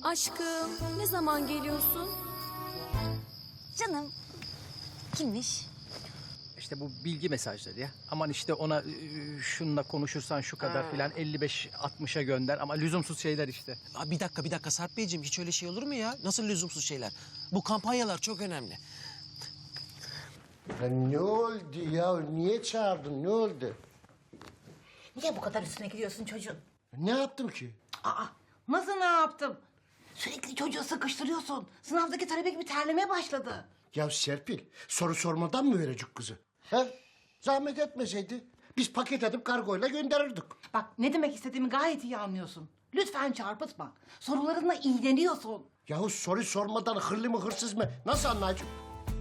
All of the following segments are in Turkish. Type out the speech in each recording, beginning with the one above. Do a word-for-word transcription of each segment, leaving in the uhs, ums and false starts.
Aşkım, ne zaman geliyorsun? Canım, kimmiş? İşte bu bilgi mesajları ya. Aman işte ona e, şununla konuşursan şu kadar filan elli beş altmışa gönder ama lüzumsuz şeyler işte. Aa, bir dakika bir dakika Sarp Beyciğim, hiç öyle şey olur mu ya? Nasıl lüzumsuz şeyler? Bu kampanyalar çok önemli. Ya ne oldu ya? Niye çağırdın? Ne oldu? Niye bu kadar üstüne gidiyorsun çocuğun? Ne yaptım ki? Aa, nasıl ne yaptım? Sürekli çocuğu sıkıştırıyorsun. Sınavdaki talebe gibi terlemeye başladı. Ya Serpil, soru sormadan mı verecek kızı? He? Zahmet etmeseydi biz paket edip kargoyla gönderirdik. Bak ne demek istediğimi gayet iyi anlıyorsun. Lütfen çarpıtma. Sorularınla iğneliyorsun. Yahu soru sormadan hırlı mı hırsız mı? Nasıl anlayacağım?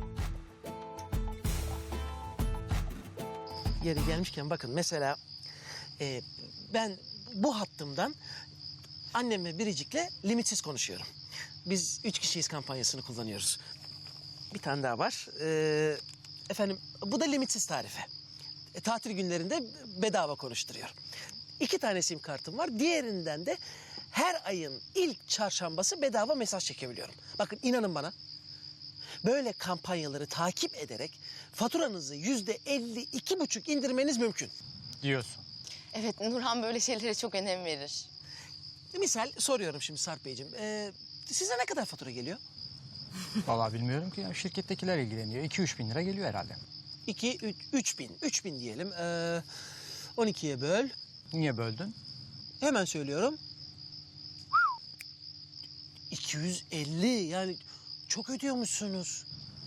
Yeri gelmişken bakın mesela e, ben bu hattımdan annem ve Biricik'le limitsiz konuşuyorum. Biz üç kişiyiz kampanyasını kullanıyoruz. Bir tane daha var. Ee, efendim bu da limitsiz tarife. E, tatil günlerinde bedava konuşturuyor. İki tane sim kartım var. Diğerinden de her ayın ilk çarşambası bedava mesaj çekebiliyorum. Bakın inanın bana. Böyle kampanyaları takip ederek faturanızı yüzde elli iki buçuk indirmeniz mümkün. Diyorsun. Evet, Nurhan böyle şeylere çok önem verir. Misal soruyorum şimdi Sarp Beyciğim. Ee, size ne kadar fatura geliyor? Vallahi bilmiyorum ki ya. Şirkettekiler ilgileniyor. iki üç bin lira geliyor herhalde. İki, üç, üç bin. Üç bin diyelim. Ee, on ikiye böl. Niye böldün? Hemen söylüyorum. iki yüz elli yani çok ödüyormuşsunuz.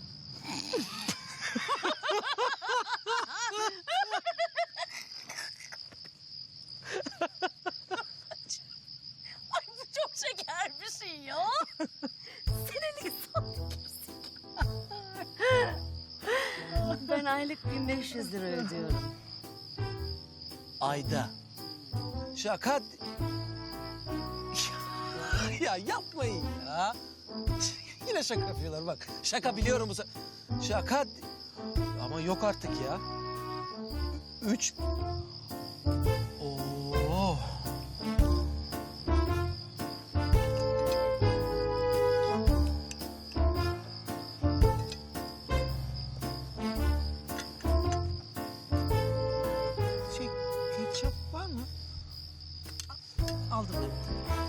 Çok şeker bir şey ya. Senelik Ben aylık bin beş yüz lira ödüyorum. Ayda. Şaka. Ya yapmayın ya. Yine şaka yapıyorlar bak. Şaka biliyorum bu se- Şaka. Ama yok artık ya. Üç. Oo. Şey, ketçap var mı? Aldım ben.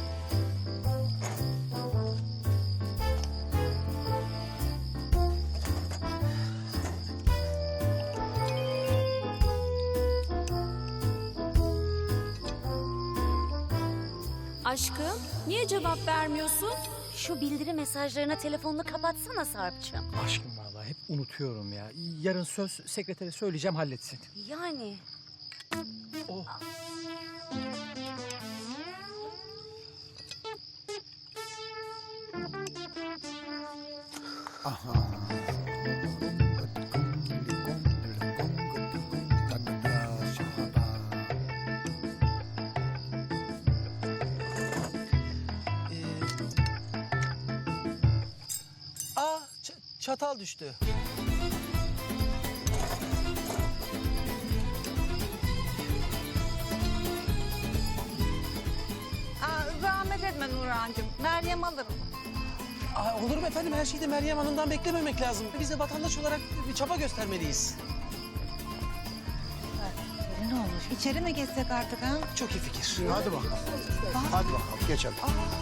Aşkım, niye cevap vermiyorsun? Şu bildiri mesajlarına telefonunu kapatsana Sarp'cığım. Aşkım vallahi hep unutuyorum ya. Yarın söz sekretere söyleyeceğim halletsin. Yani. Oh. Aa, ç- çatal düştü. Aa, zahmet etme Nurhan'cığım. Meryem alırım. Aa, olur mu efendim? Her şeyi de Meryem Hanım'dan beklememek lazım. Biz de vatandaş olarak bir çaba göstermeliyiz. Ne olur içeri mi geçsek artık ha? Çok iyi fikir. Hadi bakalım. Hadi bakalım geçelim.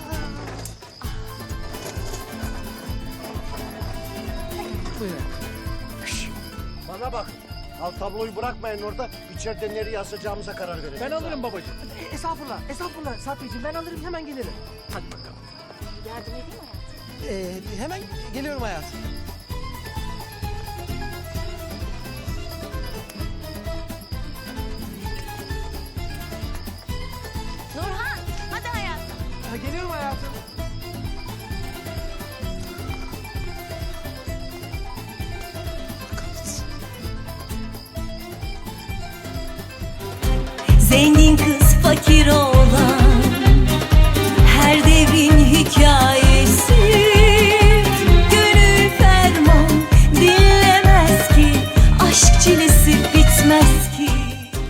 Buyurun. Bana bak. Al tabloyu bırakmayın orada. İçeride nereye asacağımıza karar verelim. Ben alırım babacığım. E, estağfurullah, estağfurullah Sarp Beyciğim. Ben alırım, hemen gelirim. Hadi bakalım. Yardım edeyim mi hayatım? Ee, hemen geliyorum hayatım. Nurhan, hadi hayatım. Ha, geliyorum hayatım. Zengin kız fakir oğlan, her devrin hikayesi.